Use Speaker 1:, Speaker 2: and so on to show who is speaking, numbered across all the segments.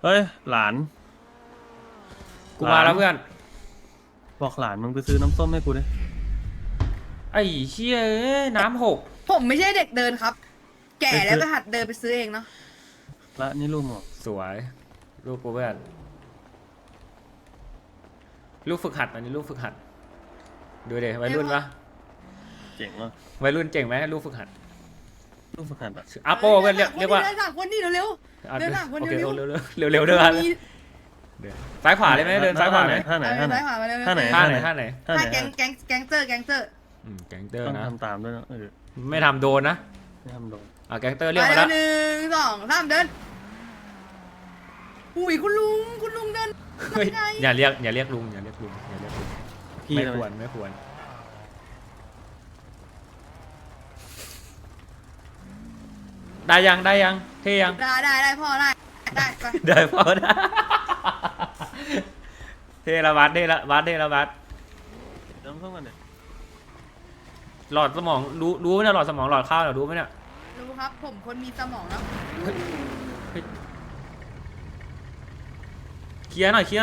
Speaker 1: เฮ้ยหลาน
Speaker 2: กูมาแล้วเพื่อน
Speaker 1: บอกหลานมึงไปซื้อน้ำส้มให้กูดิ
Speaker 2: ไอ้เชี่ยน้ำหก
Speaker 3: ผมไม่ใช่เด็กเดินครับ แก่แล้วก็หัดเดินไปซื้อเองเนาะ
Speaker 1: ละนี่ลูกหมอ
Speaker 2: สวยลูกกูเพื่อนลูกฝึกหัดอันนี้ลูกฝึกหัดดูเด็วัยรุ่นปะ
Speaker 1: เจ๋งว่ะ
Speaker 2: วัยรุ่นเจ๋งไหมลูกฝึกหัด
Speaker 1: ลูกฝึกหัดอะ
Speaker 2: อาโปเพื่อนเรียกว่า
Speaker 3: เดินหลังคนนี้เร็ว
Speaker 2: อ่ะ
Speaker 3: เดินหลังคน
Speaker 2: โอเค
Speaker 3: เร็ว
Speaker 2: เร็วเร็วเดินซ้ายขวาเลยไหมเดินซ้ายขวาไหม
Speaker 1: ท่าไหนท่าไหน
Speaker 3: ท่าไหน
Speaker 1: ท่าไหน
Speaker 2: ท่าไหน
Speaker 1: ท่าไหน
Speaker 3: ท่าแก๊งเตอร์
Speaker 2: แก๊งเตอร์
Speaker 1: ต้อง
Speaker 2: นะ
Speaker 1: ทำตามด้วยนะ
Speaker 2: ไม่ทำโดนนะ
Speaker 1: ไม่ทำโดน
Speaker 2: แก๊งเตอร์เรียก
Speaker 3: ไป
Speaker 2: มา
Speaker 3: แล้
Speaker 2: แล้ว ว
Speaker 3: 1 2 3เดินอุ้ยคุณลุงเดิน
Speaker 2: เฮ้ย
Speaker 3: ยังไง
Speaker 2: อย่าเรียกลุง
Speaker 1: พี่
Speaker 2: ไม่ควรได้ยังเท่ยัง
Speaker 3: ได้พ่อได้ไป
Speaker 2: ได้พอได้เทละวัด
Speaker 1: น้ำส้มกันเนี่ย
Speaker 2: หลอดสมองรู้ไหมเนี่ยหลอดสมองหลอดข้าวเนี่ยรู้ไหมเนี่ย
Speaker 3: รู้ครับผมคนมีสมองแล้ว
Speaker 2: เคลียร์หน่อย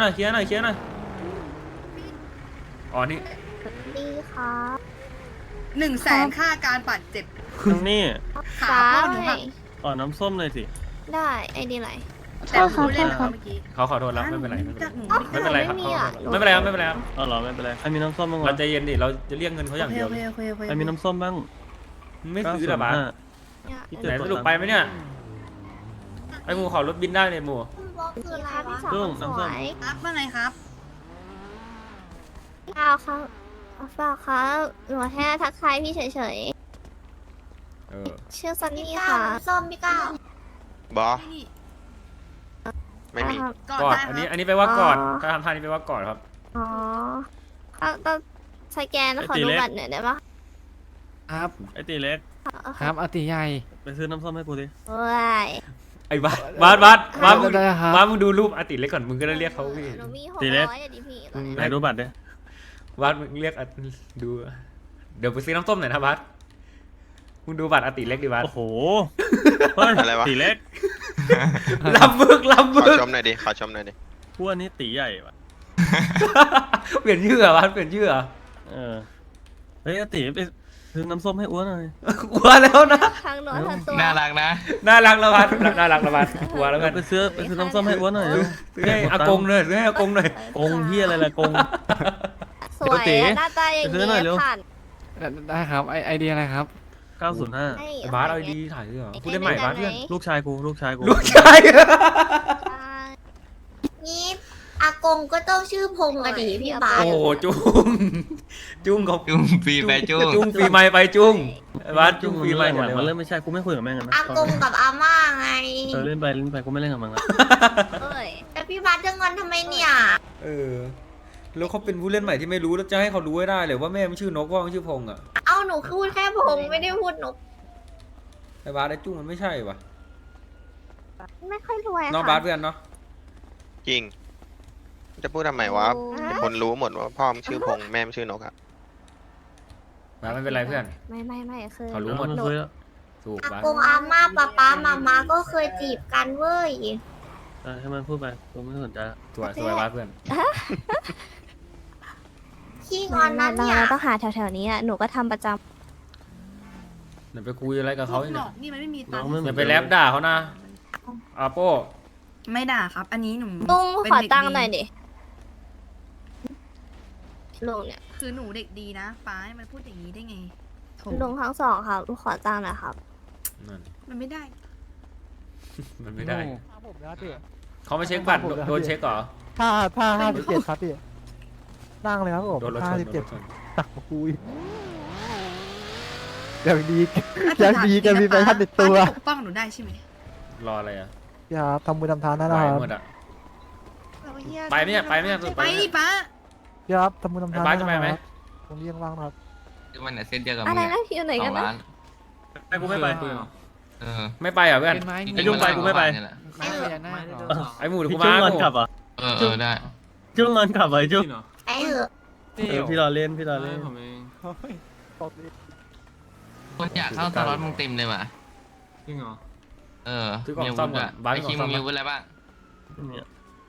Speaker 2: อ๋อนี่
Speaker 4: ดีครับ
Speaker 3: 100,000ค่าการบาดเจ็บ
Speaker 1: ทั้งนี้
Speaker 3: ขาพ่อหนูหัก
Speaker 1: ต่อน้ำส้มเลยสิ
Speaker 4: ได้ไอดีไร
Speaker 3: แต่หนูเล่นแล้วเมื่อกี้
Speaker 2: เขาขอโทษแล้วไม่เป็นไร
Speaker 3: จากหนู
Speaker 2: ไม่เป็นไรครับ
Speaker 4: ไม่มีอ่ะ
Speaker 2: ไม่เป็นไรครับ
Speaker 1: อ๋อเหรอไม่เป็นไรใครมีน้ำส้มบ้าง
Speaker 2: เรา
Speaker 1: วะ
Speaker 2: ใจเย็นดิเราจะเรียกเงินเขาอย่างเดียว
Speaker 3: โอเค
Speaker 1: ใครมีน้ำส้มบ้าง
Speaker 2: ไม่ซื้อหรอบ้า
Speaker 1: 905
Speaker 2: ไหนสรุปไปไหมเนี่ยไอ้หมูขอรถบินได้เลยหมู
Speaker 4: บล็อกคืออะไรพี่สาว
Speaker 1: ลุง
Speaker 4: ส
Speaker 1: น้ำส้
Speaker 4: ว
Speaker 1: ม
Speaker 4: ย
Speaker 3: ครับว่าไงครับ
Speaker 4: เปล่าครับเปล่าครับหนูแค่ทักทายพี่เฉย
Speaker 2: เออ
Speaker 4: ๆชื่อซันนี่ค่ะส้มพี่ก้าว
Speaker 5: บอ
Speaker 3: นี่
Speaker 5: ไม่มี
Speaker 4: ครับ
Speaker 3: ก่อน
Speaker 2: กอด
Speaker 3: ได้
Speaker 2: อัน
Speaker 3: ค
Speaker 2: นี้
Speaker 3: รับ
Speaker 2: อันนี้ไปว่ากอด
Speaker 4: อ๋อ
Speaker 2: ถ้าทำท่านี้ไปว่ากอดครับ
Speaker 4: อ๋อต้องสแกนแล้วขอดูบัตรหน่อยได้ปะ
Speaker 6: ครับ
Speaker 1: ไอตีเล็ก
Speaker 6: ครับอาติใหญ่
Speaker 1: ไปซื้อน้ำส้มให้กูดิ
Speaker 4: ว้าย
Speaker 2: ไอ้บ้านมึง
Speaker 6: ได้ครับ
Speaker 2: บ้านมึงดูรูปอาติเล็กก่อนมึงก็ได้เรียกเขาพี่
Speaker 4: หนูมี
Speaker 1: ตีเล็ก
Speaker 4: 600อ่ะดิพี่ตอนนี้
Speaker 1: ไหนดูบัตรดิ
Speaker 2: บ้านมึงเรียกดูเดี๋ยวไปซื้อน้ำส้มหน่อยนะบ้านมึงดูบัตรอาติเล็กดิบ้าน
Speaker 1: โอ้โหเฮ้ย
Speaker 5: อะไรวะ
Speaker 1: ตีเล็ก
Speaker 2: ลำบึก
Speaker 5: ขอชมหน่อยดิ ขอชมหน่อยดิ
Speaker 1: พวกนี้ตีใหญ่ว่ะ
Speaker 2: เปลี่ยนชื่อเหรอบ้านเปลี่ยนชื่อเหรอ
Speaker 1: เออเฮ้ยตีไปซื้อน้ำส้มให้อ้วนหน่อย
Speaker 2: กลัวแล้วนะ
Speaker 4: ทางโน้นทางตัว
Speaker 5: น่ารักนะ
Speaker 2: น่ารักแล้วบ้านน่ารักแล้วบ้านกลัวแล้วกัน
Speaker 1: ไปซื้อน้ำส้มให้อ้วนหน่อย
Speaker 2: ซื้อให้อากงหน่อยซื้อให้อากงหน่อย
Speaker 1: กงเฮียอะไรล่ะกง
Speaker 4: สวย
Speaker 1: เดี๋ยว
Speaker 4: อะหน้าตาอย่าง
Speaker 1: ไปซื้อหน่อยเร็ว
Speaker 4: ผ่าน
Speaker 6: ได้ครับไอเดียอะไรครับ
Speaker 1: 905
Speaker 4: ให้
Speaker 2: ไอ้บ้านเอาดีถ่ายด้วยเหรอพูดได้ใหม่บ้านเพื่อน
Speaker 1: ลูกชายกู
Speaker 2: ลูกชาย
Speaker 4: นี่อากงก็ต้องชื่อพงษ์อะดิพี่บาส
Speaker 2: โอ้จุ้งเขา
Speaker 5: จุ้งปีไปจุ้ง
Speaker 2: จุ้งปีใหม่ไปจุ้งไอ้บ้านจุ้งปีใหม่
Speaker 1: ห
Speaker 2: หม
Speaker 1: ลั
Speaker 2: ด
Speaker 1: ง
Speaker 2: เลย
Speaker 1: มัน
Speaker 2: วะ
Speaker 1: เริ่มไม่ใช่กูไม่คุยกับแม่งกันนะ
Speaker 4: อากงกับอาม่าไง
Speaker 1: เล่นไปกูไม่เล่นกับมึงละ
Speaker 4: เอ้ยแต่พี่บาสจะงอนทำไมเนี่ย
Speaker 2: เออแล้วเขาเป็นผู้เล่นใหม่ที่ไม่รู้แล้วจะให้เขารู้ให้ได้เลยว่าแม่มันชื่อนกว่ามันชื่อพงษ์อ่ะ
Speaker 4: เอาหนูพูดแค่พงษ์ไม่ได้พูดนก
Speaker 2: ไอ้บ้านไอ้จุ้งมันไม่ใช่ว่ะ
Speaker 4: ไม่ค่อยรวย
Speaker 2: น้อง
Speaker 4: ค่ะ
Speaker 2: บ้านเพื่อนเนาะ
Speaker 5: จริง จะพูดทำไมวะคนรู้หมดว่าพ่อมนชื่อพงษ์แม่มนชื่อนกอะ
Speaker 2: บ้านไม่เป็นไรเพื่อน
Speaker 4: ไม่คือ
Speaker 2: เขารู้หมด
Speaker 1: มันคุยแล้ว
Speaker 2: ถูก
Speaker 4: อา
Speaker 2: บ้าน
Speaker 4: กงอาม่าป๊าป๊ามาม่าก็เคยจีบกันเว้ย
Speaker 1: ให้มันพูดไปกูไม่สนใจละ
Speaker 2: สวยบ้านเพื่อน
Speaker 4: ขี้งอนนั้นเนี่ยต้องหาแถวๆนี้อ่ะหนูก็ทำประจ
Speaker 2: เดี๋ยวไปคุยอะไรกับเขา
Speaker 3: หน
Speaker 2: เนี่ย
Speaker 3: อกนี่มันไม่มี
Speaker 1: น้
Speaker 3: ตั
Speaker 1: อง
Speaker 3: งค์
Speaker 1: ไม่เหมื
Speaker 2: อย่า
Speaker 1: อน
Speaker 2: ไปแลบด่าเขานะอาโป้
Speaker 3: ไม่ด่าครับ อันนี้หนู
Speaker 4: ำลุง
Speaker 3: เป็น
Speaker 4: ขอ
Speaker 3: เด็ก
Speaker 4: ตังค์
Speaker 3: ดี
Speaker 4: หน่อยดิลุงเนี่ย
Speaker 3: คือหนูเด็กดีนะป้าให้มันพูดอย่างนี้ได้ไงโถ
Speaker 4: ลุงทั้งสองครับลุงขอตังค์หน่อยครับ
Speaker 2: นั่น
Speaker 3: มันไม่ได้
Speaker 2: มันไม่ได้
Speaker 6: ผมนะพี่
Speaker 2: เขาไม่เช็คบัตรโดนเช็คเหรอ
Speaker 6: ถ้า57ครับพี่นั่งเลยครับผม
Speaker 2: โดนรถชนโดนรถชน
Speaker 6: ตักคุยอย่างดีอย่างดีกันมีแฟชั่นติดตัว
Speaker 3: ป้าจะปกป้องหนูได้ใช่ไหม
Speaker 2: รออะไรอ่ะ
Speaker 6: พี่ครับทำมือทำทานนะ
Speaker 2: ไป
Speaker 6: ครับ
Speaker 2: หมดอ่ะ ไปไหมเนี่ยไปไหมเนี่ย
Speaker 3: ไปดิป้า
Speaker 6: พี่ครับทำมือทำทาน
Speaker 2: ไอ้บ้านจะไปไหม
Speaker 6: ตรงนี้ยังว่างนะครับ
Speaker 5: มันเส้นเดียวกับ
Speaker 4: อะไรนะพี่อยู่ไหนกันนะ
Speaker 1: ไปกูไม่ไป
Speaker 2: ไม่ไปเหรอเพื่อน
Speaker 1: ไอ้จุ้งไปกูไม่ไป
Speaker 6: ไม่พญานาคเหรอ
Speaker 2: ไอ้หมูเดี๋ยว
Speaker 1: พี่
Speaker 2: กู
Speaker 1: จุ้
Speaker 2: มาง
Speaker 1: งอนกลับอ่ะ
Speaker 5: ได้
Speaker 1: จุ้งงอนกลับอ่ะไอ้จุ้ง
Speaker 4: ไอ้เหอะ
Speaker 1: พี่รอเล่นพี่รอเล่น
Speaker 6: โอ้ยตบดิ
Speaker 7: คนอยากเข้าสล็อตมึงเต็มเลยว่ะ
Speaker 8: จริงเหรอ
Speaker 7: เออ
Speaker 2: ซื้อกล่องซ่อมก่อนบ้าน
Speaker 7: ไอ
Speaker 2: กล่อ
Speaker 7: คิ
Speaker 2: ง
Speaker 7: ม
Speaker 2: ซ่อ
Speaker 7: มึ
Speaker 2: ม
Speaker 7: งมีวุฒิอะไรบ้าง
Speaker 1: เนี่ย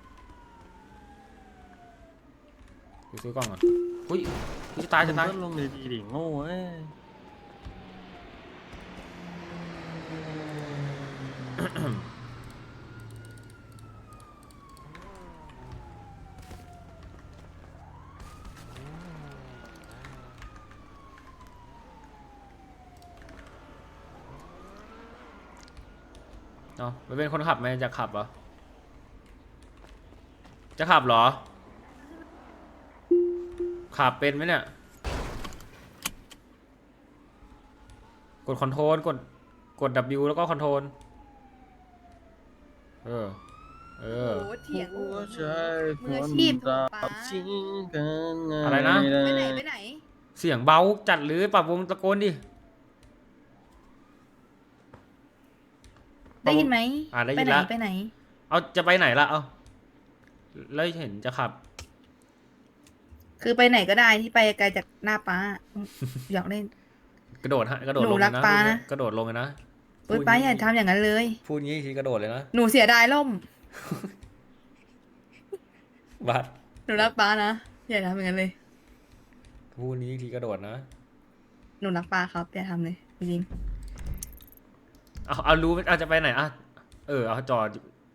Speaker 2: กูซื้อกล้องก่อนอุ้ยกูจะตายจะตาย
Speaker 1: มึงก็ลงดีๆดิโง่เอ้ย
Speaker 2: เนาะมันเป็นคนขับไหมจะขับเหรอจะขับเหรอขับเป็นไหมเนี่ยกดคอนโทรลกด W แล้วก็คอนโทรลเออ
Speaker 3: โอ้โหเถียง
Speaker 1: หัวใจ
Speaker 3: มืออาชีพ
Speaker 1: ตา
Speaker 3: ป๊า
Speaker 1: ชิงกันไง
Speaker 2: อะไรนะ
Speaker 3: ไปไหนไปไหน
Speaker 2: เสียงเบาจัดหรือปรับวงตะโกนดิ
Speaker 3: ได้ยินไหม
Speaker 2: ได้ยิน
Speaker 3: ไปไหน
Speaker 2: ละ
Speaker 3: ไปไหน
Speaker 2: เอาจะไปไหนล่ะเอาแล้วเห็นจะขับ
Speaker 3: คือไปไหนก็ได้ที่ไปไกลจากหน้าป้าอยากเล่น
Speaker 2: กระโดดฮะกระโดด
Speaker 3: หนู
Speaker 2: ลง
Speaker 3: รั
Speaker 2: เลย
Speaker 3: ก
Speaker 2: นะ
Speaker 3: ป๊านะ
Speaker 2: กระโดดลงเลยนะ
Speaker 3: โอ๊ยป้าอย่าทำอย่างนั้นเลย
Speaker 2: พูดงี้ทีกระโดดเลยนะ
Speaker 3: หนูเสียดายล่ม
Speaker 2: บัด
Speaker 3: หนูรักป้านะอย่าทำอย่างนั้นเลย
Speaker 2: พูดนี้ทีกระโดดนะ
Speaker 3: หนูรักป้าครับอย่าทำเลยจริง
Speaker 2: เอารู้เอาจะไปไหนอ่ะเอาจอด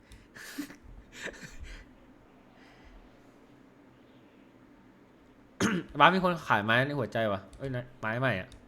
Speaker 2: บ้านมีคนขายไม้ในหัวใจวะเอ้ยไม้ใหม่อ่ะ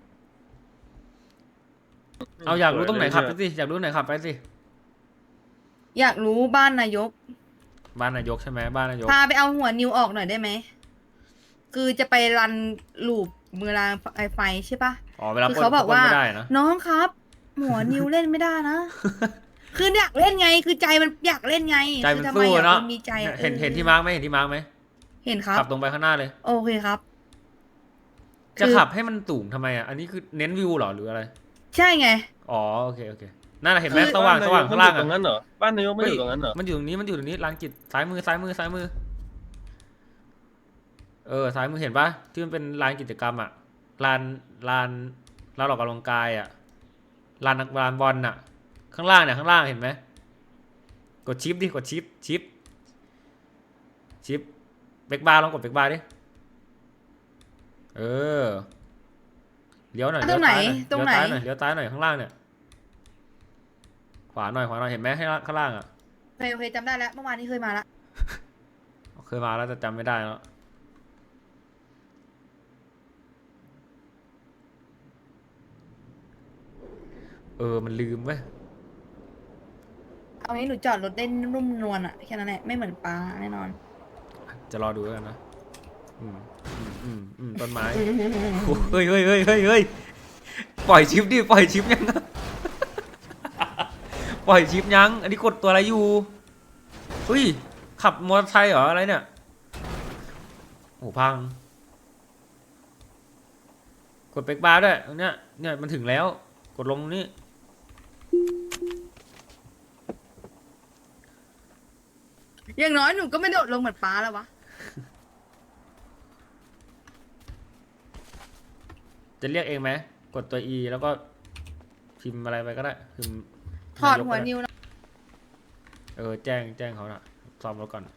Speaker 2: เอาอยากรู้ตรงไหนขับไปสิอยากรู้ไหนขับไปสิ
Speaker 3: อยากรู้บ้านนายก
Speaker 2: บ้านนายกใช่ไหมบ้านนายก
Speaker 3: พาไปเอาหัวนิวออกหน่อยได้ไหมคือจะไปรันลูปมือรางไฟใช่ปะ
Speaker 2: อ๋อเวลา
Speaker 3: คือ
Speaker 2: ปล้น
Speaker 3: เขาบอกว่า
Speaker 2: ไม่ได้นะ
Speaker 3: น้องครับ หัวนิวเล่นไม่ได้นะ คืออยากเล่นไง คือใจมันอยากเล่นไง
Speaker 2: ใจมัน
Speaker 3: คือทำไม
Speaker 2: สู้
Speaker 3: อ่ะ
Speaker 2: เนาะ
Speaker 3: มันมีใจอ่ะ
Speaker 2: เห็นที่มาร์กไหมเห็นที่มาร์กไหม
Speaker 3: เห็นครับ
Speaker 2: ขับตรงไปข้างหน้าเลย
Speaker 3: โอเคครับ
Speaker 2: จะ
Speaker 3: คือ
Speaker 2: ขับให้มันสูงทำไมอ่ะอันนี้คือเน้นวิวเหรอหรืออะไร
Speaker 3: ใช่ไง
Speaker 2: อ๋อโอเคนั่นแหละเห็นไหม
Speaker 3: คือ
Speaker 2: สว่างข้างล่าง
Speaker 1: มันอยู่ตรงนั้นเหรอบ้านนายกไม่อยู่ตรงนั้นเหรอ
Speaker 2: มันอยู่ตรงนี้ลานกิจซ้ายมือซ้ายมือซ้ายมือเห็นปะที่มันเป็นลานกิจกรรมอ่ะลานออกกำลังกายอ่ะลานบอลอ่ะ ข้างล่างเนี่ยข้างล่างเห็นไหมกดชิปดิกดชิปเบรกบาร์ลองกดเบรกบาร์ดิเลี้ยวหน่อย
Speaker 3: ตรงไหน
Speaker 2: เลี้ยวซ้ายหน่อยเลี้ยวซ้ายหน่อยข้างล่างเนี่ยขวาหน่อยเห็นไหมให้ข้างล่างอ่ะ
Speaker 3: โอเคจำได้แล้วเมื่อวานนี้เคยมาละ
Speaker 2: เคยมาแล้วแต่จำไม่ได้แล้วมันลืมเว้ย
Speaker 3: เอางี้หนูจอดรถได้นุ่มนวลอะแค่นั้นแหละไม่เหมือนป้าแน่นอน
Speaker 2: จะรอดูแล้วกันนะต้นไม้เฮ้ยปล่อยชิปดิปล่อยชิปยัง ปล่อยชิปยังอันนี้กดตัวอะไรอยู่เฮ้ยขับมอเตอร์ไซค์เหรออะไรเนี่ยโอ้พังกดเบรกบาร์ด้วยตรงเนี้ยเนี่ยมันถึงแล้วกดลงตรงนี้
Speaker 3: อย่างน้อยหนูก็ไม่โดดลงเหมือนป้าแล้ววะ
Speaker 2: จะเรียกเองไหมกดตัว E แล้วก็พิมพ์อะไรไปก็ได้พิมพ์
Speaker 3: ถอด
Speaker 2: นายก
Speaker 3: หัว
Speaker 2: ก็ไ
Speaker 3: นิวนะ
Speaker 2: แจ้งเขาน่ะซ้อมรถก่อน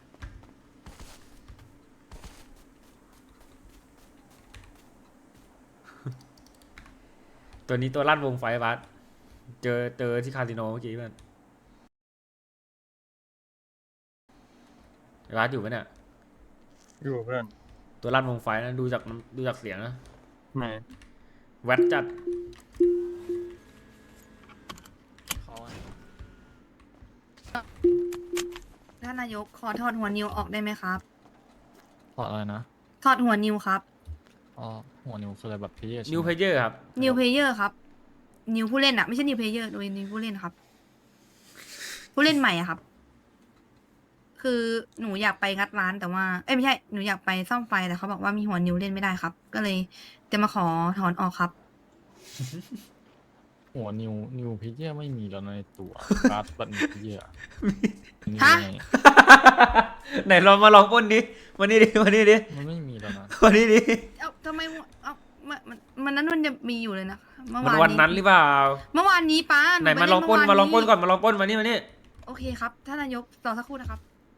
Speaker 2: ตัวนี้ตัวลั่นวงไฟบัสเจอที่คาสิโนเมื่อกี้เพื่อนบัสอยู่ไหมเนี่ย
Speaker 1: อยู่เพื่อน
Speaker 2: ตัวลั่นวงไฟนะดูจากเสียงนะ
Speaker 1: ไหน
Speaker 2: แวดจัด
Speaker 3: ท่านนายกขอถอดหัวนิวออกได้ไหมครับ
Speaker 8: ถอดอะไรนะ
Speaker 3: ถอดหัวนิวครับ
Speaker 8: อ๋อ หัวนิวคืออะไรแบบพี่
Speaker 2: นิวเพเยอร์ครับ
Speaker 3: นิวเพลเยอร์ครับ นิวผู้เล่นอะไม่ใช่นิวเพลเยอร์โดยนิวผู้เล่นครับ ผู้เล่นใหม่อะครับ คือหนูอยากไปงัดร้านแต่ว่าไม่ใช่หนูอยากไปซ่อมไฟแต่เขาบอกว่ามีหัวนิวเล่นไม่ได้ครับ ก็เลยจะมาขอถอนออกครับ
Speaker 8: หัวนิวเพเยอร์ไม่มีแล้วในตัวการ์ดบัตรเพเยอร์
Speaker 3: ฮะ
Speaker 2: ไหนลองมาลองปล้นดิมานี่ดิ
Speaker 8: มันไม่มีแล้วนะ
Speaker 2: มานี่ดิ
Speaker 3: เอ้าทำไมหัวเอ้ามันนั้นมันจะมีอยู่เลยนะเมื่อ
Speaker 2: มัน
Speaker 3: วาน
Speaker 2: วันนั้นหรือเปล่า
Speaker 3: เมื่อวานนี้ป้า
Speaker 2: ไหน
Speaker 3: ป
Speaker 2: มาลองปล้น
Speaker 3: เ
Speaker 2: มาลองปล้นก่อนมาลองปล้นมานี่
Speaker 3: โอเคครับท่านนายกรอสักครู่นะครับ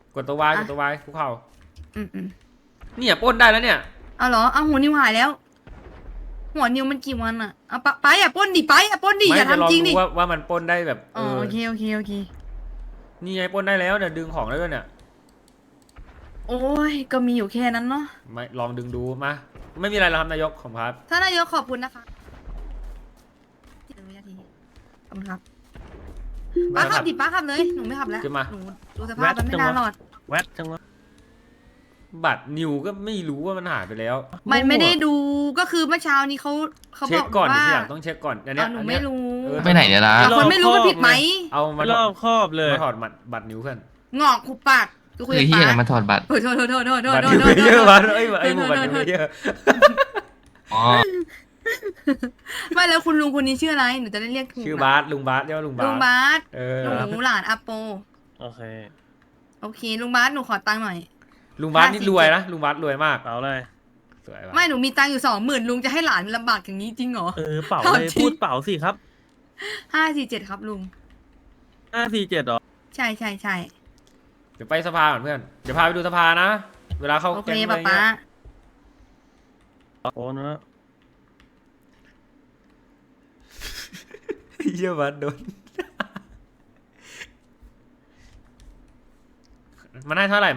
Speaker 2: กดตัววายกดตัววายคุกเข่า
Speaker 3: อืม
Speaker 2: เนี่ยปล้นได้แล้วเนี่ย
Speaker 3: เอาเหรอเอาหัวนิวหายแล้ว หัวนิวมันกี่วันอะเอาไปอย่าปล้นดิไปอย่าปล้นดิอย่า
Speaker 2: จะลอง
Speaker 3: ทำจริง
Speaker 2: ดู
Speaker 3: ดิ
Speaker 2: ว่ามันปล้นได้แบบ
Speaker 3: อ๋อโอเคโอเค
Speaker 2: นี่ไงปล้นได้แล้วเนี่ยดึงของได้ด้วยเนี่ย
Speaker 3: โอ้ยก็มีอยู่แค่นั้นเนาะ
Speaker 2: ไม่ลองดึงดูมาไม่มีอะไรแล้วครับนายกของครับ
Speaker 3: ท่านนายกขอบคุณนะคะ1 วินาทีขอบคุณครับป้าขับดิป้าขับเลยหนูไม่ขับแล้ว
Speaker 2: ขึ้นมา
Speaker 3: หนูดูสภาพมันไม่นานหรอก
Speaker 1: แวดจังวะ
Speaker 2: บัตรนิวก็ไม่รู้ว่ามันหายไปแล้ว
Speaker 3: มันไม่ได้ดูก็คือเมื่อเช้านี้เขา
Speaker 2: เช็
Speaker 3: บ
Speaker 2: ค
Speaker 3: อก
Speaker 2: ก่อน
Speaker 3: ว่า
Speaker 2: ทีหลังต้องเช็คก่อนอันเนี้ย
Speaker 3: หนู
Speaker 2: อัน
Speaker 3: ไม่
Speaker 2: เนี้ย
Speaker 3: รู้
Speaker 2: เออ
Speaker 7: ไปไหนเนี่ยนะ
Speaker 3: แต่คนไม่รู้มันผิดไหม
Speaker 2: เอามา
Speaker 1: รอบครอบเลย
Speaker 2: มาถอดบัตรนิวเพื่อน
Speaker 3: งอกขุบปากกูคุย
Speaker 7: คือ
Speaker 3: กับ
Speaker 7: ที่อะไร
Speaker 3: ป้า
Speaker 7: มาถอดบัตร
Speaker 3: โอ้ยโทษ
Speaker 2: บัตรนิวเยอะบัตรไอ้หมู่บัตรนิวเยอะ
Speaker 7: อ๋อ
Speaker 3: ไม่แล้วคุณลุงคนนี้ชื่ออะไรหนูจะได้เรียกถูก
Speaker 2: ชื่อ
Speaker 3: นะ
Speaker 2: บาสลุงบาสเรียกว่าลุงบา
Speaker 3: ลุ
Speaker 2: ส
Speaker 3: งบาส
Speaker 2: เออ
Speaker 3: หนูหลานอาโป
Speaker 1: โอเค
Speaker 3: โอเคลุงบาสหนูขอตังค์หน่อย
Speaker 2: ลุงบาสนี่รวยนะลุงบาสรวยมาก
Speaker 1: เป๋าเลย
Speaker 2: สวยว่ะ
Speaker 3: ไม่หนูมีตังค์อยู่20,000ลุงจะให้หลานลำบากอย่างนี้จริงเหรอ
Speaker 1: เป๋า
Speaker 3: เอา
Speaker 1: เลย
Speaker 3: จริง
Speaker 1: พูดเป๋าสิครับ
Speaker 3: 547ครับลุง
Speaker 1: 547หรอ
Speaker 3: ใช่
Speaker 2: เดี๋ยวไปสภาก่อนเพื่อนเดี๋ยวพาไปดูสภานะเวลาเข้า
Speaker 3: โอเค
Speaker 2: แก๊งอะไร
Speaker 3: ป้า
Speaker 2: เงี้ย
Speaker 1: โอ้นะ
Speaker 2: เยี่ยบัสโดนมันให้เท่าไหร่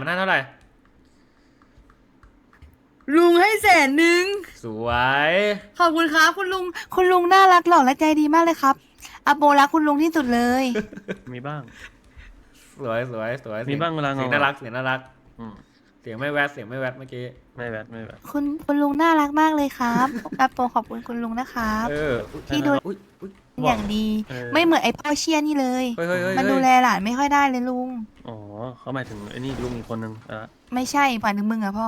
Speaker 3: ลุงให้100,000
Speaker 2: สวย
Speaker 3: ขอบคุณครับคุณลุงน่ารักหล่อและใจดีมากเลยครับอาโปรักคุณลุงที่สุดเลย
Speaker 1: มีบ้าง
Speaker 2: สวย
Speaker 1: มีบ้างเวลา
Speaker 2: เสียง
Speaker 1: งอ
Speaker 2: น่ารักเสียงน่ารัก
Speaker 1: อืม
Speaker 2: เสียงไม่แวดเมื่อกี้
Speaker 1: ไม่แวด
Speaker 3: คุณลุงน่ารักมากเลยครับอาโปขอบคุณคุณลุงนะครับ
Speaker 2: เออ
Speaker 3: ที่ดู
Speaker 2: อุ๊ย
Speaker 3: อย่างดี ไม่เหมือนไอ้พ่อเชียนี่เลย
Speaker 2: เฮ้ย
Speaker 3: มันดูแลหลานไม่ค่อยได้เลยลุง
Speaker 1: อ๋อเขาหมายถึงไอ้นี่ลุงอีกคนนึงอ่ะ
Speaker 3: ไม่ใช่ผ่านถึงมึงอะพ่อ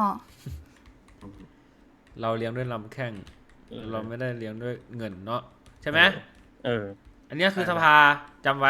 Speaker 2: เราเลี้ยงด้วยลำแข้งเราไม่ได้เลี้ยงด้วยเงินเนาะใช่ไหม
Speaker 1: เออ
Speaker 2: อันเนี้ยคือสภาจำไว้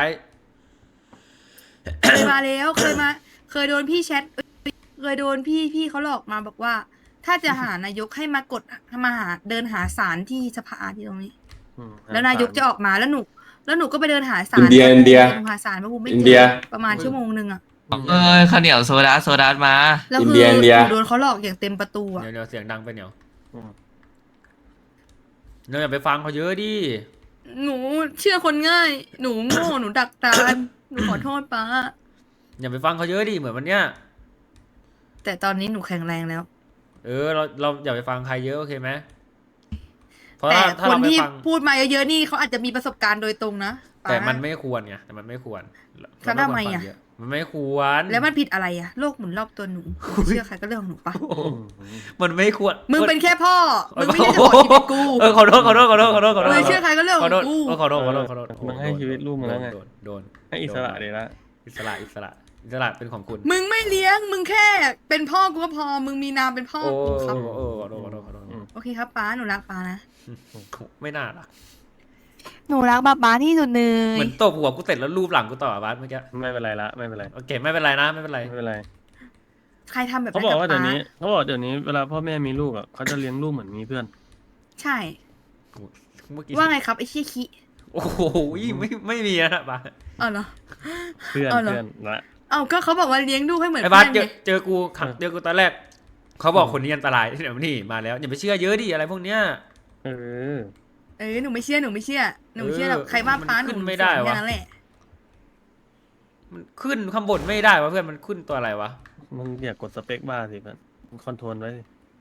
Speaker 3: เคยมาแล้วเคยโดนพี่แชทเคยโดนพี่เขาหลอกมาบอกว่า ถ้าจะหานายกให้มากดมาหาเดินหาศาลที่สภาที่ตรงนี้ แล้วนายกจะออกมาแล้วหนูก็ไปเดินหาศาล
Speaker 9: อินเดีย
Speaker 3: หาศาลพระภูมิไม่
Speaker 9: อิน
Speaker 3: เจ
Speaker 9: เดีย
Speaker 3: อประมาณชั่วโมงนึงอะ
Speaker 7: ข้าวเหนียวโซดามา
Speaker 3: แล้ว
Speaker 9: อิน
Speaker 3: คื
Speaker 9: เดีย
Speaker 3: อ
Speaker 9: อินเดีย
Speaker 3: หนูโดนเขาหลอกอย่างเต็มประตูอะ
Speaker 2: เดี๋ยวเสียงดังไปเหนียว
Speaker 1: อืม
Speaker 2: เราอย่าไปฟังเขาเยอะดิ
Speaker 3: หนูเชื่อคนง่าย หนูโง่หนูดักตานหนูขอโทษป้า
Speaker 2: อย่าไปฟังเขาเยอะดิเหมือนวันเนี้ย
Speaker 3: แต่ตอนนี้หนูแข็งแรงแล้ว
Speaker 2: เออเราอย่าไปฟังใครเยอะโอเคไหมเพราะ
Speaker 3: แต่
Speaker 2: ถ้า
Speaker 3: คน
Speaker 2: เราไป
Speaker 3: ที่
Speaker 2: ฟัง
Speaker 3: พูดมาเยอะๆนี่เขาอาจจะมีประสบการณ์โดยตรงนะป๊า
Speaker 2: แต่มันไม่ควรไงแต่มันไม่ควร
Speaker 3: แล้วทำไมอะ
Speaker 2: เราควรฟังเยมันไม่ควร
Speaker 3: แล้วมันผิดอะไรอะโลกหมุนรอบตัวหนูเชื่อใครก็เรื่องของหนูปะ
Speaker 2: โอ้โหมันไม่ควร
Speaker 3: มึงเป็นแค่พ่อ มึงไม่ได้จะบอกชีวิตกู
Speaker 2: เออขอโทษ
Speaker 3: เลยเชื่อใครก็เรื่องของกู
Speaker 2: ขอโทษ
Speaker 1: มึงให้ชีวิตลูกมึงแล้วไง
Speaker 2: โดน
Speaker 1: ให้อิสระดีละ
Speaker 2: อิสระเป็นของคุณ
Speaker 3: มึงไม่เลี้ยง มึงแค่เป็นพ่อกูก็พอ มึงมีนามเป็นพ่อ
Speaker 2: โอ้
Speaker 3: กูครับ
Speaker 2: ขอโทษ
Speaker 3: โอเคครับป้าหนูรักป้านะ
Speaker 2: ไม่น่าล่ะ
Speaker 3: หนูรักป้าที่สุดเล
Speaker 2: เหมือนตบหัวกูเสร็จแล้วรูปหลังกูต่อบาสเมื่อกี้
Speaker 1: ไม่เป็นไรละไม่เป็นไร
Speaker 2: โอเคไม่เป็นไรนะไม่เป็นไร
Speaker 1: ไม่เป็นไร
Speaker 3: ใครทำแบบ
Speaker 1: เขา
Speaker 3: นั้น
Speaker 1: บอก
Speaker 3: กับ
Speaker 1: ว่าเดี๋ยว
Speaker 3: ป้า
Speaker 1: นี้เวลาพ่อแม่มีลูกอ่ะเขาจะเลี้ยงลูกเหมือนมีเพื่อน
Speaker 3: ใช่
Speaker 2: เมื่อกี้
Speaker 3: ว่าไงครับไอ้เชี่ยคิ
Speaker 2: โอ้โหไม่มีนะบาส
Speaker 3: อ๋อเหรอ
Speaker 1: เพื่อน
Speaker 3: เอาเหรอ
Speaker 1: เพื่อนละ
Speaker 3: เอ้าก็เขาบอกว่าเลี้ยงลูกให้เหมือน
Speaker 2: ไอ้
Speaker 3: เพื่
Speaker 2: บาส
Speaker 3: อนไง
Speaker 2: เจอกูตอนแรกเขาบอกคนนี้อันตรายเดี๋ยวนี่มาแล้วอย่าไปเชื่อเยอะดิอะไรพวกเนี้ย
Speaker 1: เออ
Speaker 3: หนูไม่เชื่อหรอกใครว่าป้าหนู
Speaker 2: มันขึ้นไม่ได้วะ
Speaker 3: แค่นั้นแหละ
Speaker 2: มันขึ้นข้างบนไม่ได้วะเพื่อนมันขึ้นตัวอะไรวะ
Speaker 1: มึงอย่ากดสเปคบ้าสิเพื่อนมึงคอนโทรลไว้สิ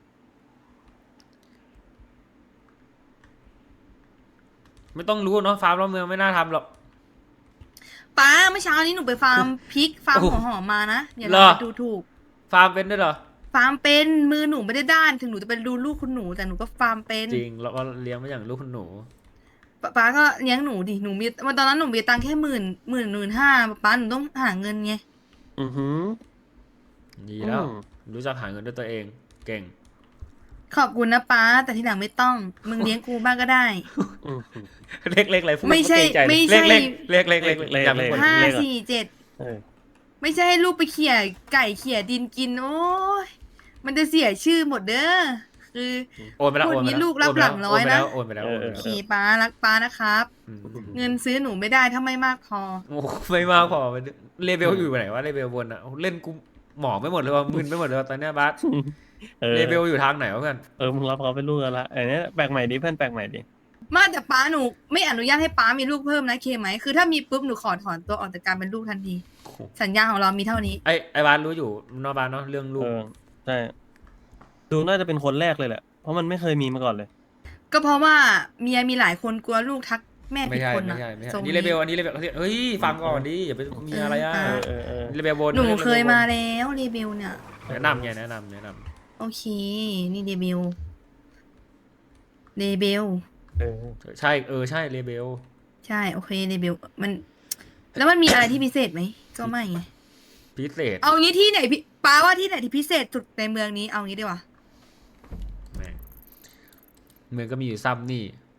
Speaker 2: ไม่ต้องรู้เนาะฟาร์มรอบเมืองไม่น่าทำหรอก
Speaker 3: ป้าเมื่อเช้านี้หนูไปฟาร์มพริกฟาร์ม
Speaker 2: โอ้
Speaker 3: หัวหอมมานะอย่า
Speaker 2: เหร
Speaker 3: ล
Speaker 2: อ
Speaker 3: ดูถูก
Speaker 2: ฟาร์มเป็นด้วยเหรอ
Speaker 3: ฟาร์มเป็นมือหนูไม่ได้ด้านถึงหนูจะเป็นดูลูกคุณหนูแต่หนูก็ฟาร์มเป็น
Speaker 2: จริงแล้วก็เลี้ยงมาอย่างลูกคุณหนู
Speaker 3: ป้าก็เลี้ยงหนูดิหนูมีตอนนั้นหนูมีตังค์แค่15,000ป้าหนูต้องหาเงินไง
Speaker 1: อือหือ
Speaker 2: ดีแล้ว
Speaker 1: อืม
Speaker 2: รู้จักหาเงินด้วยตัวเองเก่ง
Speaker 3: ขอบคุณนะป้าแต่ทีหลังไม่ต้องมึงเลี้ยงกูบ้างก็ได้
Speaker 1: อือหือ
Speaker 2: เล็กอะไรพูด
Speaker 3: ไม่ใช่
Speaker 2: เกรงจ
Speaker 3: ไม่ใช่
Speaker 2: เล็กอย่าไป
Speaker 1: เล็ก
Speaker 2: กด
Speaker 1: เออ
Speaker 3: ไม่ใช่ให้ลูกไปเขี่ยไก่เขี่ยดินกินโอ้ยมันจะเสียชื่อหมดเด้อคือ
Speaker 2: โอนไปแล้ว
Speaker 3: พูด
Speaker 2: โอนไป
Speaker 3: งี้
Speaker 2: แล้ว
Speaker 3: ลูกรับหลังร้อยนะ
Speaker 2: โอนไปแล้ว
Speaker 3: โอเคป้ารักป้านะครับ เงินซื้อหนูไม่ได้ถ้าไม่มากพอ
Speaker 2: โอ้ไม่มากพอเลเวลอยู่ไหนวะเลเวลบนอ่ะเล่นกูหมองไม่หมดเลยว่ะมึนไปหมดเลยว่ะตอนเนี้ยบัส
Speaker 1: เออ
Speaker 2: เลเวลอยู่ทางไหนวะเพื่อน
Speaker 1: มึงรับเขาเป็นลูกกันละไอ้เนี้ยแปลกใหม่ดิเพื่อนแปลกใหม่ดิ
Speaker 3: ไมาแต่ป้าหนูไม่อนุญาตให้ป้ามีลูกเพิ่มนะเคไหมคือถ้ามีปุ๊บหนูขอถอนตัวออกจากการเป็นลูกทันที สัญญาของเรามีเท่านี้
Speaker 2: ไอ้บัสรู้อยู่นอกบ้านเนาะเรื่องลูก
Speaker 1: ใช่ดูน่าจะเป็นคนแรกเลยแหละ เพราะมันไม่เคยมีมาก่อนเลย
Speaker 3: ก็เพราะว่าเมียมีหลายคนกลัวลูกทักแม่
Speaker 2: ไม่
Speaker 3: ผิด
Speaker 2: ใช่
Speaker 3: คน
Speaker 2: ไม่
Speaker 3: อะ
Speaker 2: ใช่ไม่ใช่
Speaker 3: ทรง
Speaker 2: นี่เลเวลอันนี้เลเวลเฮ้ยฟังก่อนดิอย่าไปมีอะไรอ่ะ
Speaker 1: เออ
Speaker 2: เลเวลบน
Speaker 3: หนูเคยมาแล้วรีวิวเนี่ย
Speaker 2: แนะนำไงแนะนำ
Speaker 3: โอเค นี่รีวิวรีวิว
Speaker 2: ใช่ใช่เลเวล
Speaker 3: ใช่โอเครีวิวมัน แล้วมันมีอะไรที่พิเศษไหมก็ไม่ไง
Speaker 2: พิเศษ
Speaker 3: เอางี้ที่ไหนพี่ป้าว่าที่ไหนที่พิเศษสุดในเมืองนี้เอางี้ดีกว่า
Speaker 2: แม่งเมืองก็มีอยู่ซ้ำนี่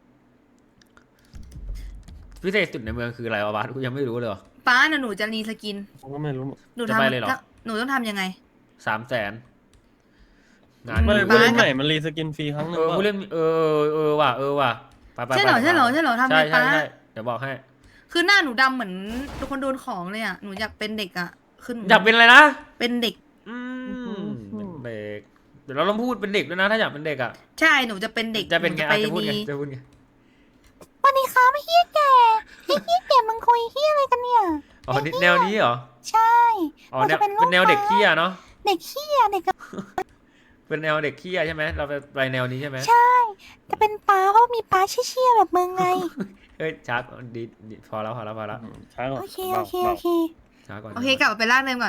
Speaker 2: พิเศษสุดในเมืองคืออะไรวะบัสกูยังไม่รู้เลยว่ะ
Speaker 3: ป้าน่ะหนูจะรีสกิน
Speaker 1: ผมก็ไม่รู้
Speaker 3: หนู
Speaker 2: จะไปเลยเหรอ
Speaker 3: หนูต้องทำยังไง
Speaker 2: 300,000งาน
Speaker 1: ไม่
Speaker 3: อืม
Speaker 1: ผู้เล่นใหม่มันรีสกินฟรีครั้งหนึ่ง
Speaker 2: ผู้เล่นว่ะไป
Speaker 3: ใช่เหรอใช่เหรอใช่เหรอทำ
Speaker 2: ใช่
Speaker 3: ไงป้า
Speaker 2: เดี๋ยวบอกให้
Speaker 3: คือหน้าหนูดำเหมือนคนโดนของเลยอ่ะ หนูอยากเป็นเด็กอ่ะ คือหนู
Speaker 2: อยากเป็นอะไรนะ
Speaker 3: เป็นเด็ก
Speaker 2: เป็นเด็กเดี๋ยวเราต้องพูดเป็นเด็กด้วยนะ ถ้าอยากเป็นเด็กอ่ะ
Speaker 3: ใช่ หนูจะเป็นเด็ก
Speaker 2: จะเป็นไง
Speaker 3: ห
Speaker 2: อาจจะพูดไง
Speaker 3: ดี
Speaker 2: จะพูดไง
Speaker 4: วันนี้ครับเฮียแก่เฮียแก่มึงคุยเฮียอะไรกันเนี่ย
Speaker 2: อ๋อนี่แนวนี้เหรอ
Speaker 4: ใช่
Speaker 2: อ๋อ
Speaker 4: เรา
Speaker 2: แน
Speaker 4: จะ
Speaker 2: ว
Speaker 4: เป็นลูก
Speaker 2: เป็นแนวเด็กขี้อะเนาะ
Speaker 4: เด็กเฮียเด็กกับ
Speaker 2: เป็นแนวเด็กขี้อะใช่ไหมเราไปแนวนี้ใช่ไหม
Speaker 4: ใช่จะเป็นป้าเพราะมีป้าเชี่ยๆแบบมึงไง
Speaker 2: เฮ้ยช้าดีพอแล้ว
Speaker 1: ช้าก่อน
Speaker 4: โอเค
Speaker 1: บา
Speaker 4: โอก เค
Speaker 1: บา
Speaker 4: โอก เค
Speaker 2: ช้าก่อน
Speaker 3: โอเคกลับไปร่างเดิมก่อน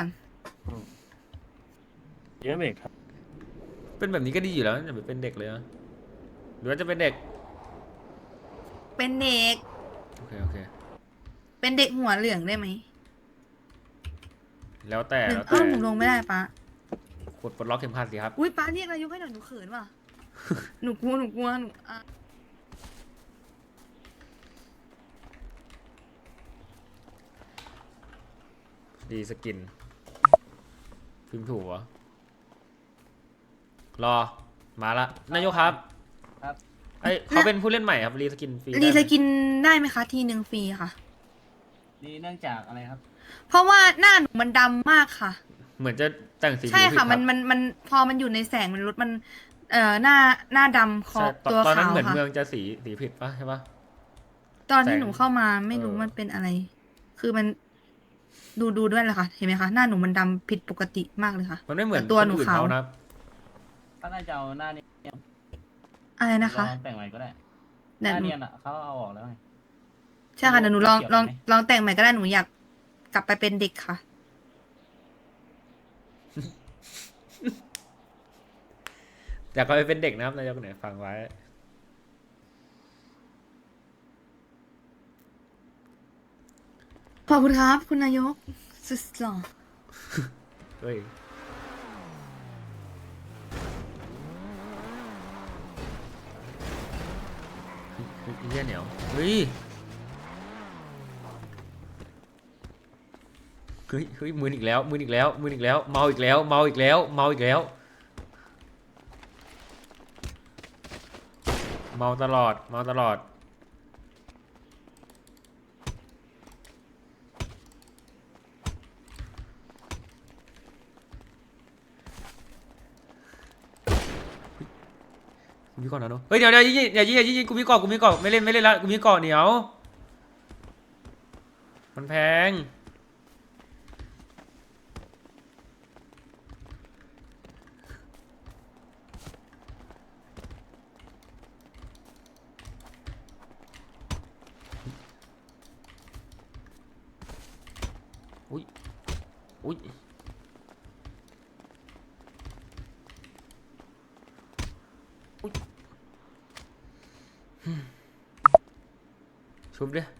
Speaker 1: เยอะเบรกครับ
Speaker 2: เป็นแบบนี้ก็ดีอยู่แล้วอย่าไปเป็นเด็กเลยนะหรือว่าจะเป็นเด็ก
Speaker 3: เป็นเด็ก
Speaker 2: โอเค
Speaker 3: เป็นเด็กหัวเหลืองได้ไหม
Speaker 2: แล้วแต่
Speaker 3: หนึ่ง
Speaker 2: แล้ว
Speaker 3: เอ้า
Speaker 2: แต่
Speaker 3: หนูลงไม่ได้ป้าก
Speaker 2: ดปลดล็อกเข็มขัดสิครับ
Speaker 3: อุ้ยป้าเรียกนายกให้หน่อยหนูเขินว่ะ หนูกลัวหนูอ่ะ
Speaker 2: ดีสกินพิมพ์ถูกเหรอรอมาละนายกครับ
Speaker 9: ครับ
Speaker 2: ไอยเขาเป็นผู้เล่นใหม่ครับรีสกินฟรีได้ไหม
Speaker 3: รีสกินได้ไหมคะทีหนึ่งฟรีค่ะ
Speaker 9: นี่เนื่องจากอะไรครับ
Speaker 3: เพราะว่าหน้าหนูมันดำมากค่ะ
Speaker 2: เหมือนจะแต่งสี
Speaker 3: ใช่
Speaker 2: ผิวผิด
Speaker 3: ค่ะ
Speaker 2: รับ
Speaker 3: มันพอมันอยู่ในแสงมันลดมันหน้าดำคอ
Speaker 2: ใช่
Speaker 3: ตัว
Speaker 2: ตอนนั้น
Speaker 3: ขาว
Speaker 2: เหมือน
Speaker 3: ค่ะ
Speaker 2: เมืองจะสีผิดปะใช่ปะ
Speaker 3: ตอนที่
Speaker 2: แสง
Speaker 3: หนูเข้ามาไม่รู้
Speaker 2: เออ
Speaker 3: มันเป็นอะไร คือมันดูด้วยแหละค่ะ เห็นไหมคะ หน้าหนูมันดำผิดปกติมากเลยค่ะ
Speaker 2: มันไม่เหมือน
Speaker 3: แต่ตัวหนู
Speaker 2: คอื่
Speaker 3: ขาว
Speaker 2: เขานะ
Speaker 9: ก็น่าจะเอาหน้านี้
Speaker 3: อะไรนะคะ
Speaker 9: ลองแต่งใหม่ก็ได้ห
Speaker 3: เดี๋ยว
Speaker 9: น้า
Speaker 3: หนู
Speaker 9: เนียนอ่ะเขาเอาออกแล้วไง
Speaker 3: ใช่ค่ะเดี๋ยวหนูลอง
Speaker 9: เกี่ยว
Speaker 3: ลอง
Speaker 9: ไหม
Speaker 3: ลองแต่งใหม่ก็ได้หนูอยากกลับไปเป็นเด็กค่ะ
Speaker 2: อยากเขาไปเป็นเด็กนะครับนายกไหนฟังไว้
Speaker 3: ขอบคุณครับ คุณนายกสุดหล่อ
Speaker 2: เฮ้ยเฮียเหนียวเฮ้ยมืออีกแล้วเมาอีกแล้วเมาอีกแล้วเมาตลอดกูมีก่อนนะเนอะเฮ้ยเดี๋ยวยิงกูมีก่อนไม่เล่นแล้วกูมีก่อนเหนียวมันแพงอุ้ยชุบดิ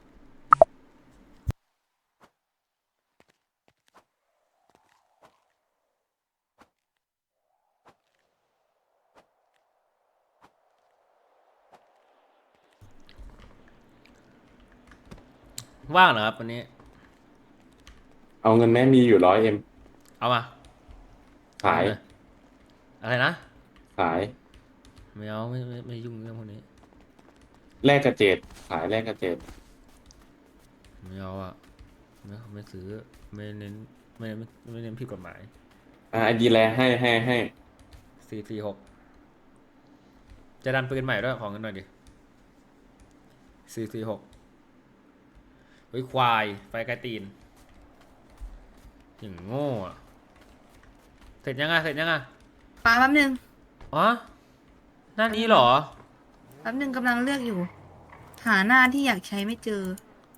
Speaker 2: ว่างเหรอครับวันนี้
Speaker 10: เอาเงินแม่มีอยู่100M
Speaker 2: เอามา
Speaker 10: ขาย
Speaker 2: อะไรนะ
Speaker 10: ขาย
Speaker 2: ไม่เอาไม่ยุ่งเรื่องพวกนี้
Speaker 10: แลกกระเจดขายแลกกระเจด
Speaker 2: ไม่เอาอ่ะไม่ซื้อไม่เน้นผิดกฎหมาย
Speaker 10: ไอดีแลให้
Speaker 2: 446จะดันปืนใหม่ด้วยของเงินหน่อยดิ446เฮ้ยควายไฟไกลตีนอย่างโง่อะเสร็จยัง
Speaker 3: ป้าแป๊บนึง
Speaker 2: อ๋อหน้านี้เหรอ
Speaker 3: แป๊บนึงกำลังเลือกอยู่ หาหน้าที่อยากใช้ไม่เจอ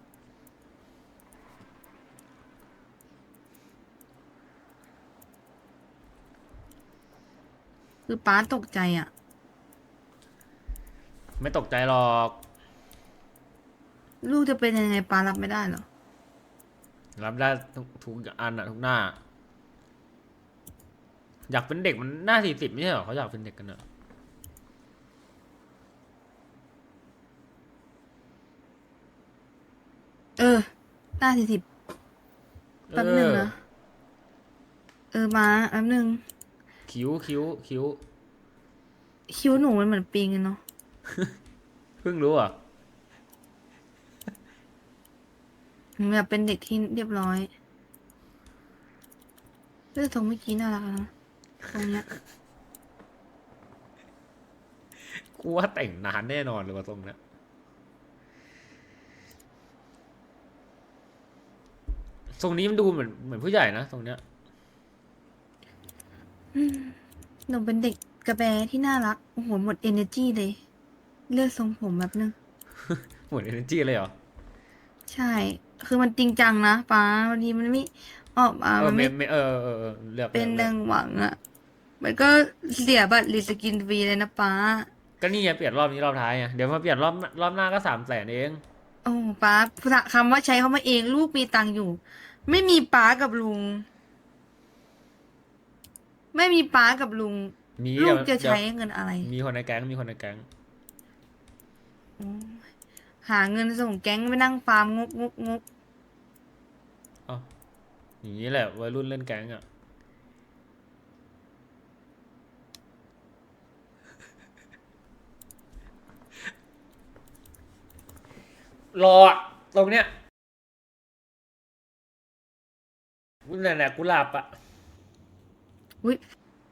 Speaker 3: คือป้าตกใจอ่ะ
Speaker 2: ไม่ตกใจหรอก
Speaker 3: ลูกจะเป็นยังไงป้ารับไม่ได้เหรอ
Speaker 2: รับได้ทุกอันอะทุกหน้า อยากเป็นเด็กมันหน้า40ไม่ใช่เหรอเขาอยากเป็นเด็กกันอะ
Speaker 3: หน้า40แป๊บนึงนะ มาแป๊บนึง
Speaker 2: คิ้ว
Speaker 3: คิ้วหนูมันเหมือนปิงเลยเนาะ
Speaker 2: เพิ่งรู้อ่ะ
Speaker 3: หนูอยากเป็นเด็กที่เรียบร้อยเรื่องทรงเมื่อกี้น่ารักนะตรงเนี้ย
Speaker 2: กูว่าแต่งนานแน่นอนเลยว่าทรงเนี้ยทรงนี้มันดูเหมือนผู้ใหญ่นะทรงเนี้ย
Speaker 3: หนูเป็นเด็กกระแบที่น่ารัก โอ้โห หมด energy เลย เลือกทรงผมแบบนึง
Speaker 2: หมด energy เลยเหรอ
Speaker 3: ใช่ คือมันจริงจังนะป้าบางทีมันไม่ออกมา มันไม่
Speaker 2: เลือก
Speaker 3: เป็นดังหวังอ่ะ มันก็เสียบัตรรีสกินฟรีเลยนะป้า
Speaker 2: ก็นี่ไงเปลี่ยนรอบนี้รอบท้ายไงเดี๋ยวมาเปลี่ยนรอบหน้าก็300,000เอง
Speaker 3: โอ้ป้าคำว่าใช้เขามาเองลูกมีตังค์อยู่ ไม่มีป้ากับลุง ไม่มีป้ากับลุง
Speaker 2: มี
Speaker 3: ลู
Speaker 2: เดี๋
Speaker 3: ก
Speaker 2: ยว
Speaker 3: จะใช้เงินอะไร
Speaker 2: มีคนในแก๊งมีคนในแก๊ง
Speaker 3: โอ้ยหาเงินส่งแก๊งไปนั่งฟาร์มงก
Speaker 2: อย่างนี้แหละวัยรุ่นเล่นแก๊งอ่ะ รออะตรงเนี้ยนั่นแหละกุหลาบอ่ะ
Speaker 3: อุ้ย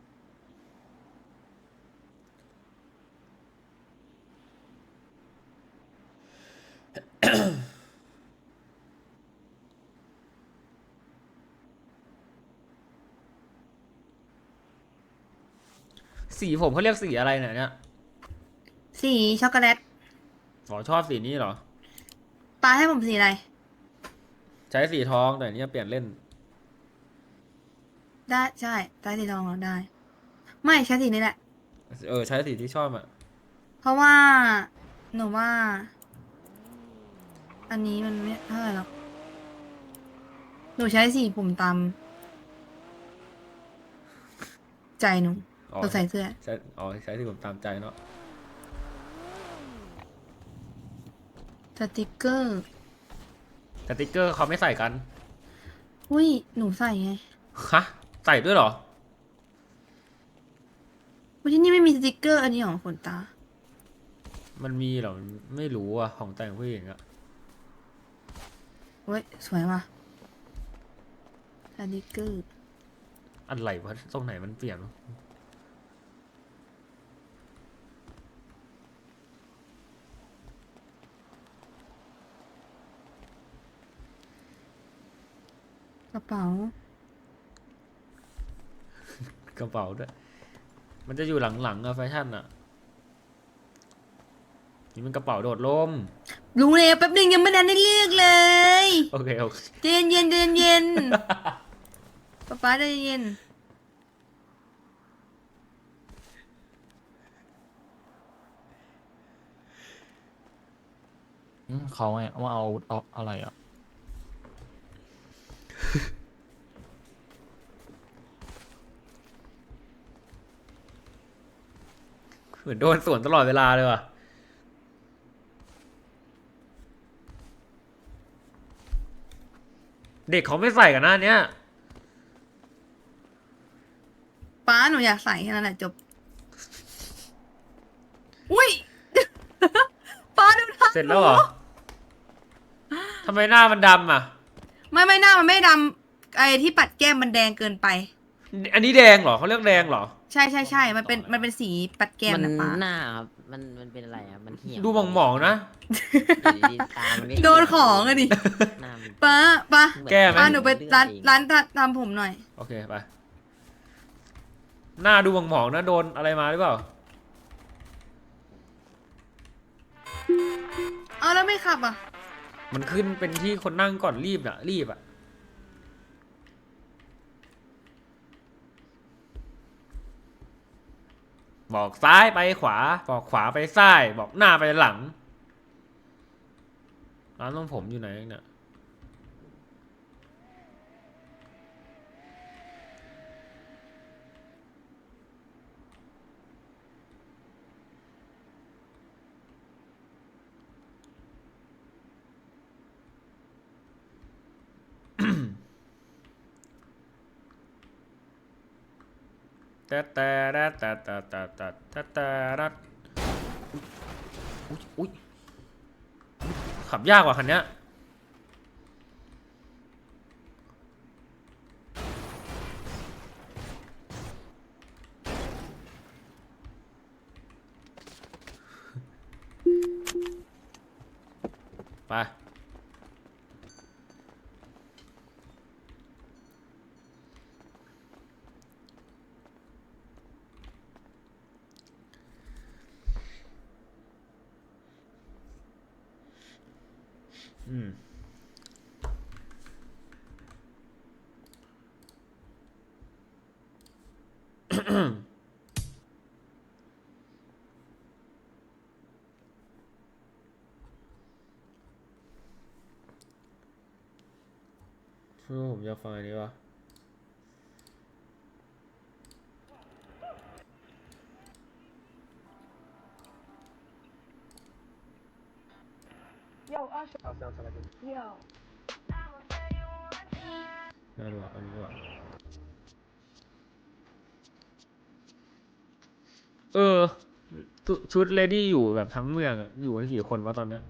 Speaker 2: สีผมเขาเรียกสีอะไรเนี่ย
Speaker 3: สีช็อกโกแลต
Speaker 2: อ๋อชอบสีนี้เหรอ
Speaker 3: ป้าให้ผมสีอะไร
Speaker 2: ใช้สีทองแต่อันนี้เปลี่ยนเล่น
Speaker 3: ได้ใช่ได้สีทองเหรอได้ ไม่ใช้สีนี้แหละ
Speaker 2: ใช้สีที่ชอบอ่ะ
Speaker 3: เพราะว่า หนูว่า อันนี้มันไม่เท่าไหร่หรอก หนูใช้สีผมตามใจหนู
Speaker 2: อ๋อ
Speaker 3: หนูใส่เสื้อ
Speaker 2: ใช้ที่ผมตามใจเนาะ
Speaker 3: สติกเกอร์
Speaker 2: สติ๊กเกอร์เขาไม่ใส่กัน
Speaker 3: อุ้ยหนูใส่ไง
Speaker 2: ฮะ ใส่ด้วยเหรอ
Speaker 3: วันที่นี่ไม่มีสติกเกอร์อันนี้ของขนตา
Speaker 2: มันมีเหรอ ไม่รู้อ่ะ ของแต่งผู้หญิงอ่ะ
Speaker 3: เว้ย สวยว่ะสติกเกอร์
Speaker 2: อะไรวะตรงไหนมันเปลี่ยนวะ
Speaker 3: กระเป๋า
Speaker 2: กระเป๋าด้วย มันจะอยู่หลังๆอะแฟชั่นอะนี่มันกระเป๋าโดดร่ม
Speaker 3: รู้เลยแป๊บนึงยังไม่ทันได้เลือกเลย
Speaker 2: โอเค
Speaker 3: เย็นเย็นป๊าใจเย็น
Speaker 8: เขาไงว่าเอาอะไรอ่ะ
Speaker 2: เหมือนโดนสวนตลอดเวลาเลยว่ะ เด็กเขาไม่ใส่กันหน้าเนี้ย
Speaker 3: ป้าหนูอยากใส่แค่นั้นแหละจบ อุ้ย ป้าดูท่า
Speaker 2: เสร็จแล้วเหรอ ทำไมหน้ามันดำอ่ะ
Speaker 3: ไม่หน้ามันไม่ดำไอ้ที่ปัดแก้มมันแดงเกินไป
Speaker 2: อันนี้แดงเหรอเขาเรียกแดงเหรอ
Speaker 3: ใช่มันเป็นสีปัดแก้มนะป้า
Speaker 11: หน้าครับมันเป็นอะไรครับมันเหี่ยว
Speaker 2: ดูหมองๆนะ
Speaker 11: อยู่ดีๆตามันก็
Speaker 3: โดนของอะดิ
Speaker 11: หน้ามัน
Speaker 3: ป้า
Speaker 2: แก้ไหม
Speaker 3: ป้าหนูไปร้านทำผมหน่อย
Speaker 2: โอเคไปหน้าดูหมองๆนะโดนอะไรมาหรือเปล่า
Speaker 3: เอาแล้วไม่ขับอ่ะ
Speaker 2: มันขึ้นเป็นที่คนนั่งก่อนรีบอ่ะบอกซ้ายไปขวาบอกขวาไปซ้ายบอกหน้าไปหลังร้านทรงผมอยู่ไหนเนี่ยแต่อุ๊ยขับยากกว่าคันเนี้ยไปผมจะฟังอันนี้วะน่าดูอันนี้ว่ะชุดเลดี้อยู่แบบทั้งเมืองอะอยู่กันกี่คนวะตอนเนี้ย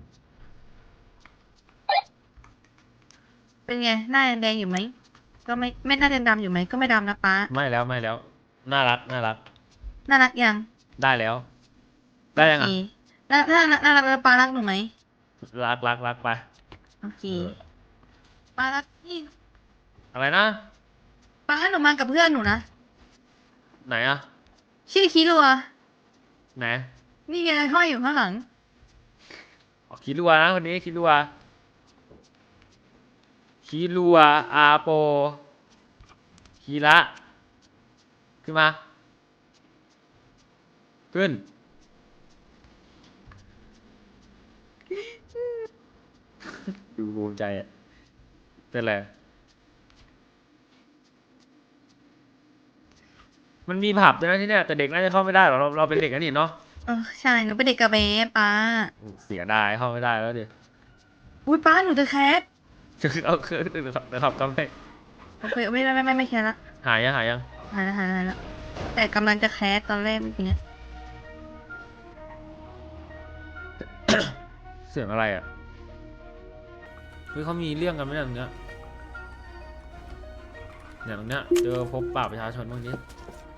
Speaker 3: เป็นไงหน้ายังแดงอยู่ไหมก็ไม่น่าจะดำอยู่ไหมก็ไม่ดำนะป้า
Speaker 2: ไม่แล้วน่ารัก
Speaker 3: น่ารักยัง
Speaker 2: ได้แล้ว ได้ยังอ่ะ
Speaker 3: โอเคน่ารักแล้วป้ารักหนูไหม
Speaker 2: รักไป
Speaker 3: โอเคป้ารักนี่
Speaker 2: อะไรนะ
Speaker 3: ป้าหนูมากับเพื่อนหนูนะ
Speaker 2: ไหนอ่ะ
Speaker 3: ชื่อคิรัว
Speaker 2: ไหน
Speaker 3: นี่ไงห้อยอยู่ข้างหลัง
Speaker 2: อ๋อคิรัวนะคนนี้คิรัวอาโปคีระขึ้นมาขึ้นดูภูมิใจอ่ะเป็นไรมันมีผับด้วยนะที่เนี่ยแต่เด็กน่าจะเข้าไม่ได้หรอกเราเป็นเด็กกันนี่เนาะ
Speaker 3: ใช่หนูเป็นเด็กกระเบ๊ป้า
Speaker 2: เสียดายเข้าไม่ได้แล้วดิ
Speaker 3: อุ้ยป้าหนูจะแคส
Speaker 2: เอาเครื่องเดี๋ยวขับกำไป
Speaker 3: โอเคไม่แคสละ
Speaker 2: หายยัง
Speaker 3: หายแล้วแต่กำลังจะแคสตอนแรกเมื่อกี้
Speaker 2: เสียงอะไรอ่ะเฮ้ยเขามีเรื่องกันไหมเนี่ยตรงเนี้ยตรงเนี้ยเจอพบปะประชาชนบ้างนี้